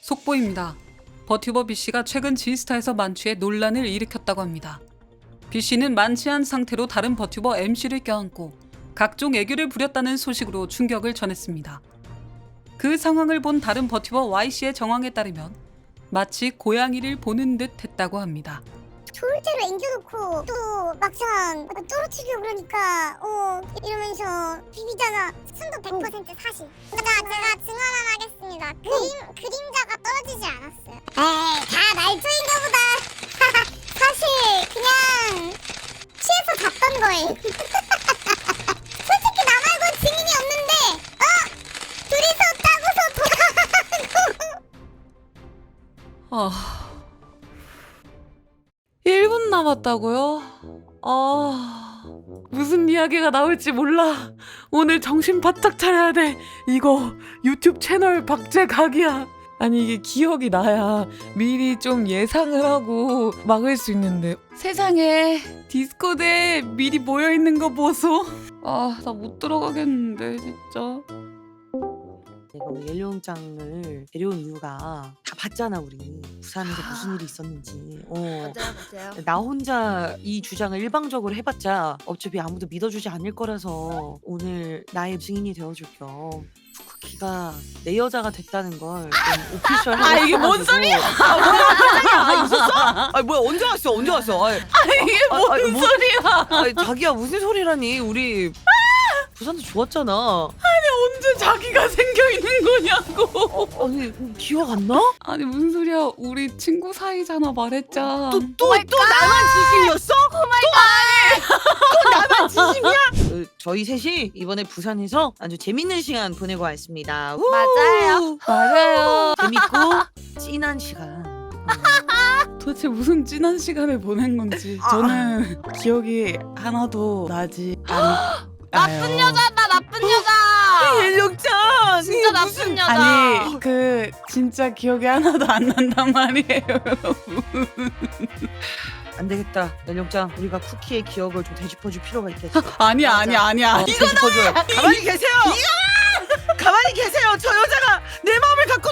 속보입니다. 버튜버 B씨가 최근 지스타에서 만취해 논란을 일으켰다고 합니다. B씨는 만취한 상태로 다른 버튜버 MC를 껴안고 각종 애교를 부렸다는 소식으로 충격을 전했습니다. 그 상황을 본 다른 버튜버 Y씨의 정황에 따르면 마치 고양이를 보는 듯 했다고 합니다. 좋을 대로 앵겨놓고 또 막상 떨어뜨리고 그러니까 이러면서 비비잖아. 순도 100% 사실. 제가 증언 하나 하겠습니다. 그림자가 떨어지지 않았어요. 에이, 다 말투인가 보다. 사실 그냥 취해서 잤던 거예요. 솔직히 나 말고 증인이 없는데 둘이서 따고서 돌아가고. 1분 남았다고요? 무슨 이야기가 나올지 몰라. 오늘 정신 바짝 차려야 돼. 이거 유튜브 채널 박제각이야. 아니 이게 기억이 나야 미리 좀 예상을 하고 막을 수 있는데 세상에 디스코드에 미리 모여있는 거 보소. 나 못 들어가겠는데 진짜. 내가 우리 옐로우장을 데려온 이유가 다 봤잖아. 우리 부산에서 무슨 일이 있었는지. 맞아요. 나 혼자 이 주장을 일방적으로 해봤자 어차피 아무도 믿어주지 않을 거라서 오늘 나의 증인이 되어줄 겸 쿠키가 내 여자가 됐다는 걸 좀 오피셜하게 이게 뭔 소리야? 있었어? 뭐야 언제 왔어? 언제 왔어? 이게 뭔 소리야? 자기야 무슨 소리라니? 우리 부산도 좋았잖아. 언제 자기가 생겨있는 거냐고. 아니 기억 안 나? 아니 무슨 소리야. 우리 친구 사이잖아 말했자. 또 나만 지심이었어? 또 나만 지심이야? 저희 셋이 이번에 부산에서 아주 재밌는 시간 보내고 왔습니다. 맞아요. 재밌고 찐한 시간. 도대체 무슨 진한 시간을 보낸 건지 저는 기억이 하나도 나지 않아요. 나쁜 여자다, 나쁜 여자. 옐룡짱 진짜 나쁜 여자. 아니 진짜 기억이 하나도 안 난단 말이에요. 안 되겠다. 옐룡짱 우리가 쿠키의 기억을 좀 되짚어줄 필요가 있겠어. 아니야. 되짚어줘요. 가만히 계세요. 가만히 계세요. 저 여자가 내 마음을 갖고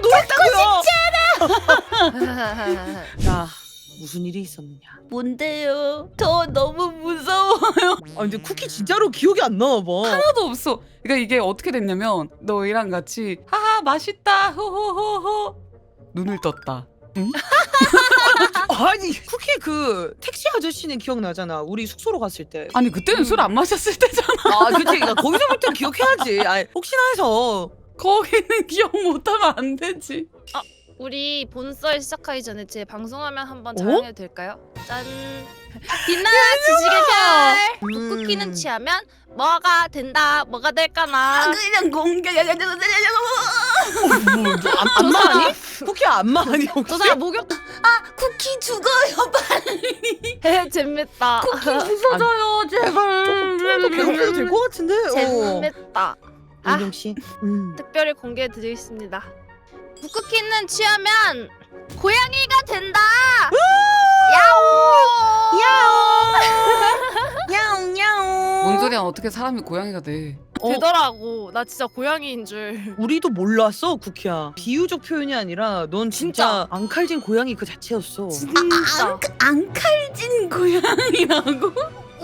놀았다고요. 자 무슨 일이 있었느냐? 뭔데요? 저 너무 무서워요. 근데 쿠키 진짜로 기억이 안 나나 봐. 하나도 없어. 그러니까 이게 어떻게 됐냐면 너희랑 같이 하하 맛있다 호호호호 눈을 떴다. 응? 아니 쿠키 그 택시 아저씨는 기억나잖아. 우리 숙소로 갔을 때. 아니 그때는 술 안 마셨을 때잖아. 그치. 그러니까 거기서부터 기억해야지. 혹시나 해서. 거기는 기억 못하면 안 되지. 우리 본썰 시작하기 전에 제 방송화면 한번 어? 자랑해도 될까요? 짠. 빛나는 지지개별. 쿠키는 취하면 뭐가 된다, 뭐가 될까나. 그냥 공개. 안마하니? 쿠키 안마하니 저 혹시? 사람 목욕. 쿠키 죽어요 빨리. 재밌다. 부서져요 제발. 조금만 더 괴롭혀도 될 것 같은데. 재밌다. 윤영 씨. 특별히 공개해드리겠습니다. 북쿠키는 취하면 고양이가 된다. 야옹 야옹. 뭔 소리야. 어떻게 사람이 고양이가 돼. 되더라고. 나 진짜 고양이인 줄. 우리도 몰랐어 쿠키야. 비유적 표현이 아니라 넌 진짜 앙칼진 고양이 그 자체였어. 진짜. 안 칼진 고양이라고?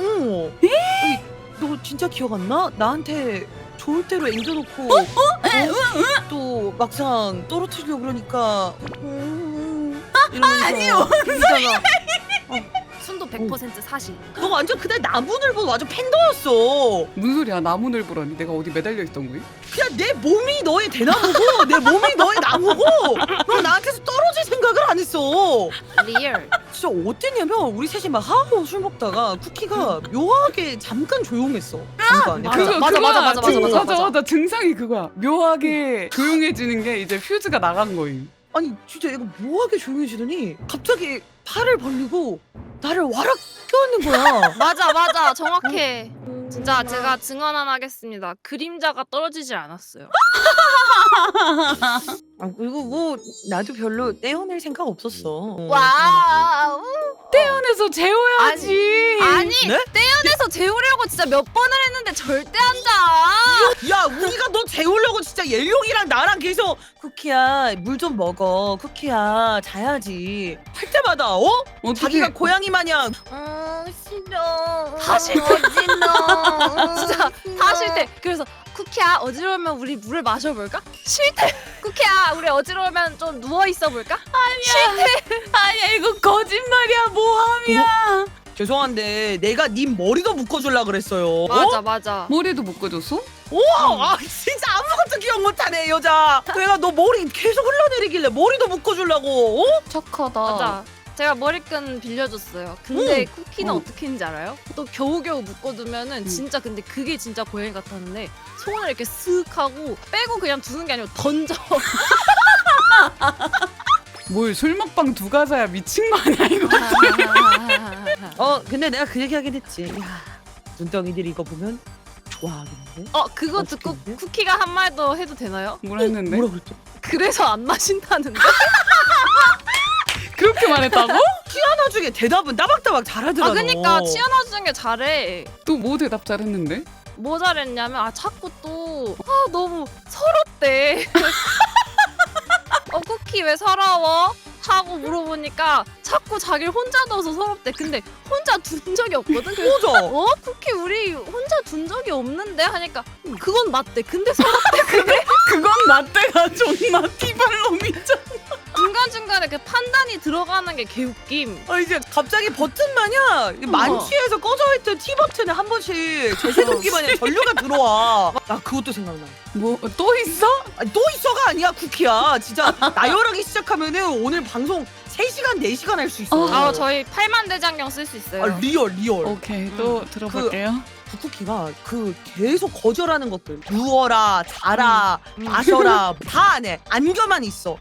너 진짜 기억 안 나? 나한테 좋을 대로 앵겨놓고 또 막상 떨어뜨리려고 그러니까 아니요 진짜가. 순도 100% 사실. 너 완전 그날 나무늘보 완전 팬더였어. 무슨 소리야. 나무늘보라니. 내가 어디 매달려 있던 거야? 그냥 내 몸이 너의 대나무고 내 몸이 너의 나무고 너 나한테서 떨어질 생각을 안 했어. 리얼. 진짜 어땠냐면 우리 셋이 막 하고 술 먹다가 쿠키가 묘하게 잠깐 조용했어. 잠깐. 맞아. 증상이 그거야. 묘하게 조용해지는 게 이제 퓨즈가 나간 거임. 아니 진짜 얘가 묘하게 조용해지더니 갑자기 팔을 벌리고 나를 와락 껴안는 거야. 맞아. 정확해. 진짜 제가 증언 하나 하겠습니다. 그림자가 떨어지지 않았어요. 그리고 뭐 나도 별로 떼어낼 생각 없었어. 와우. 떼어낼 떼어내서 재워야지. 아니 네? 떼어내서 재우려고 진짜 몇 번을 했는데 절대 안 자. 야 우리가 너 재우려고 진짜 옐룡이랑 나랑 계속 쿠키야 물 좀 먹어 쿠키야 자야지 할 때마다 어떻게 자기가 고양이 마냥 싫어. 다시 어지러. 진짜 다 싫대. 그래서 쿠키야 어지러우면 우리 물을 마셔볼까? 싫대. 쿠키야 우리 어지러우면 좀 누워 있어 볼까? 아니야 이거 거짓말이야 모함이야. 죄송한데 내가 님 머리도 묶어줄라 그랬어요. 맞아. 머리도 묶어줬어? 아 진짜 아무것도 기억 못하네 이 여자. 내가 너 머리 계속 흘러내리길래 머리도 묶어주려고. 착하다. 맞아. 제가 머리끈 빌려줬어요. 근데 쿠키는 어. 어떻게 했는지 알아요? 또 겨우겨우 묶어두면은 진짜 근데 그게 진짜 고양이 같았는데 손을 이렇게 쓱 하고 빼고 그냥 두는 게 아니고 던져. 뭘 술 먹방 두 가자야 미친 거 아니야 이거. 근데 내가 그 얘기하긴 했지. 야 눈덩이들이 이거 보면 좋아하겠는데. 그거 듣고 어떡해? 쿠키가 한 말도 해도 되나요? 뭘 했는데? 뭐라 그랬죠? 그래서 안 마신다는데? 그렇게 말했다고? 나중에 대답은 따박따박 잘하더라. 그니까 치아나주는 게 잘해. 또 뭐 대답 잘했는데? 뭐 잘했냐면 자꾸 또 너무 서럽대. 쿠키 왜 서러워? 하고 물어보니까 자꾸 자기를 혼자 둬서 서럽대. 근데 혼자 둔 적이 없거든. 그래서 맞아. 쿠키 우리 혼자 둔 적이 없는데 하니까 그건 맞대. 근데 서럽대. 그래? 그건 라떼가 존나 티발놈이잖아. 중간중간에 그 판단이 들어가는 게 개웃김. 이제 갑자기 버튼 마냥 만취해서 꺼져있던 T 버튼에 한 번씩 제세동기 마냥 전류가 들어와. 나 그것도 생각나. 뭐 또 있어? 아니, 또 있어가 아니야 쿠키야. 진짜 나열하기 시작하면은 오늘 방송 3시간 4시간 할 수 있어. 저희 8만 대장경 쓸 수 있어요. 리얼. 오케이 또 들어볼게요. 그 쿠키가 그 계속 거절하는 것들 누워라 자라 마셔라 다 안 해. 안겨만 있어.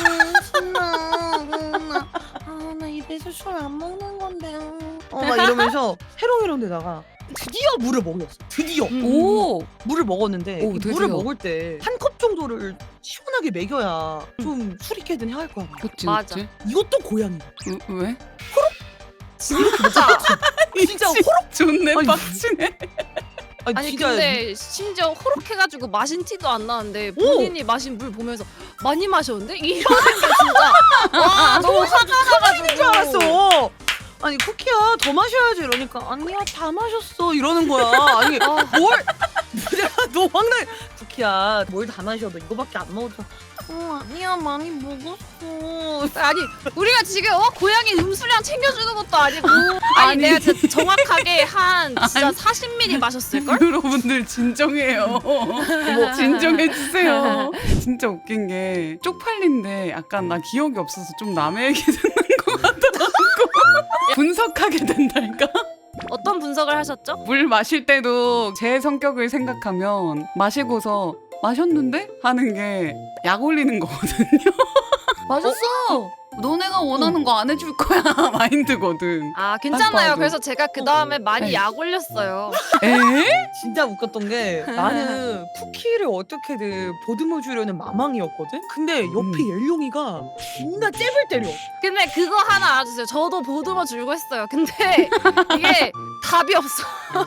나 입에서 술 안 먹는 건데. 막 이러면서 해롱해롱 되다가 드디어 물을 먹였어. 드디어 오 물을 먹었는데 오, 이 드디어. 물을 먹을 때 한 컵 정도를 시원하게 먹여야 좀 술이 깨든 해할 거야. 그치 맞아. 그치. 이것도 고양이. 왜? 진짜. 진짜 호록. 존내 아니, 빡치네. 아니 진짜 근데 심지어 호록해가지고 마신 티도 안 나는데 본인이 마신 물 보면서 많이 마셨는데? 이러는 게 진짜 와 너무 화가 나가지고 줄 알았어. 아니 쿠키야 더 마셔야지 이러니까 아니야 다 마셨어 이러는 거야. 아니 뭘 너 황당. 쿠키야 뭘 다 마셔 너 이거밖에 안 먹었어. 아니야 많이 먹었어. 아니 우리가 지금 고양이 음수량 챙겨주는 것도 아니고 아니 내가 진짜 정확하게 한 진짜 40ml 마셨을걸? 여러분들 진정해요. 진정해 주세요. 진짜 웃긴 게 쪽팔린데 약간 나 기억이 없어서 좀 남의 얘기 듣는 것 같더라고. 분석하게 된달까? 어떤 분석을 하셨죠? 물 마실 때도 제 성격을 생각하면 마시고서 마셨는데? 하는 게 약 올리는 거거든요. 마셨어. 너네가 원하는 거 안 해줄 거야 마인드거든. 아 괜찮아요. 봐도. 그래서 제가 그 다음에 많이 네. 약 올렸어요. 에? 진짜 웃겼던 게 나는 쿠키를 어떻게든 보듬어 주려는 마망이었거든. 근데 옆에 옐룡이가 존나 잽을 때려. 근데 그거 하나 알아주세요. 저도 보듬어 주려고 했어요. 근데 이게 답이 없어.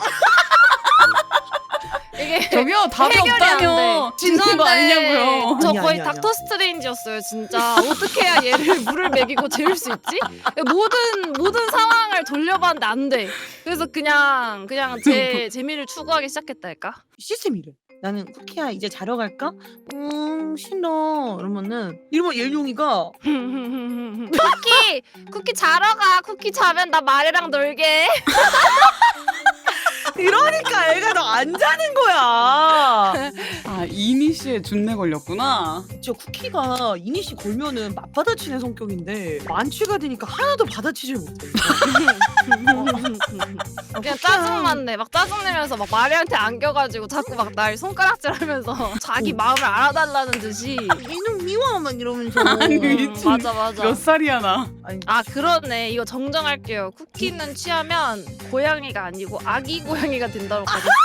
이게 저기요 답이 해결이 안 돼. 없다뇨. 짖는 거 아니냐고요. 저 아니야, 거의 아니야, 닥터 스트레인지였어요, 진짜. 어떻게 해야 얘를 물을 먹이고 재울 수 있지? 모든 상황을 돌려봤는데 안 돼. 그래서 그냥 제 재미를 추구하기 시작했달까? 시스템이래. 나는 쿠키야 이제 자러 갈까? 싫어. 이러면 옐룡이가 쿠키 자러 가. 쿠키 자면 나 말이랑 놀게. 이러니까 애가 너 안 자는 거야. 아 이니시에 준내 걸렸구나. 진짜 쿠키가 이니시 걸면은 맞받아치는 성격인데 만취가 되니까 하나도 받아치질 못해. 그냥 짜증났네. 막 짜증내면서 막 마리한테 안겨가지고 자꾸 막 날 손가락질하면서 자기 마음을 알아달라는 듯이. 이놈 미워 막 이러면서. 아니, 미친. 맞아. 몇 살이야 나? 아니, 아 그러네. 이거 정정할게요. 쿠키는 취하면 고양이가 아니고 아기 고양이가 된다고 가겠습니다.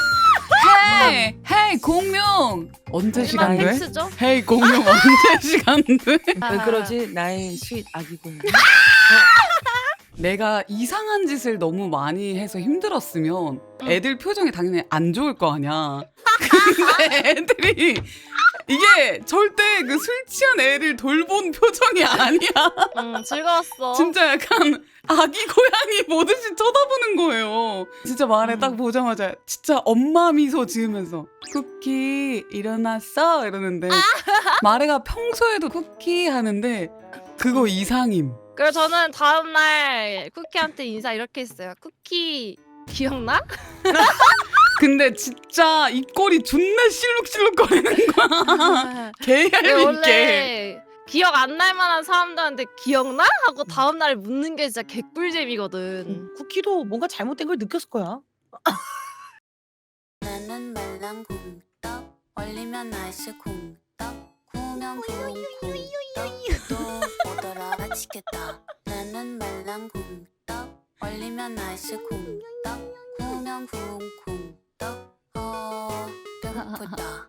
헤이 공룡 언제 시간 돼? X죠? 헤이 공룡 언제 시간 돼? 왜 그러지? 나의 스윗 아기 고양이. 내가 이상한 짓을 너무 많이 해서 힘들었으면 애들 표정이 당연히 안 좋을 거 아니야. 근데 애들이 이게 절대 그 술 취한 애를 돌본 표정이 아니야. 즐거웠어. 진짜 약간 아기 고양이 보듯이 쳐다보는 거예요. 진짜 말에 딱 보자마자 진짜 엄마 미소 지으면서 쿠키 일어났어? 이러는데 마레가 평소에도 쿠키 하는데 그거 이상임. 그래서 저는 다음날 쿠키한테 인사 이렇게 했어요. 쿠키 기억나? 근데 진짜 입꼬리 존나 실룩실룩거리는 거야. 근데 개얄밉게. 원래 기억 안 날 만한 사람들한테 기억나? 하고 다음날 묻는 게 진짜 개꿀잼이거든. 쿠키도 뭔가 잘못된 걸 느꼈을 거야. 나는 말랑궁떡 얼리면 아이스 쿵떡 구우면 쿵쿵떡 또 오더라 미치겠다. 나는 말랑궁떡 얼리면 아이스 쿵떡 구우면 쿵쿵떡 배고프다.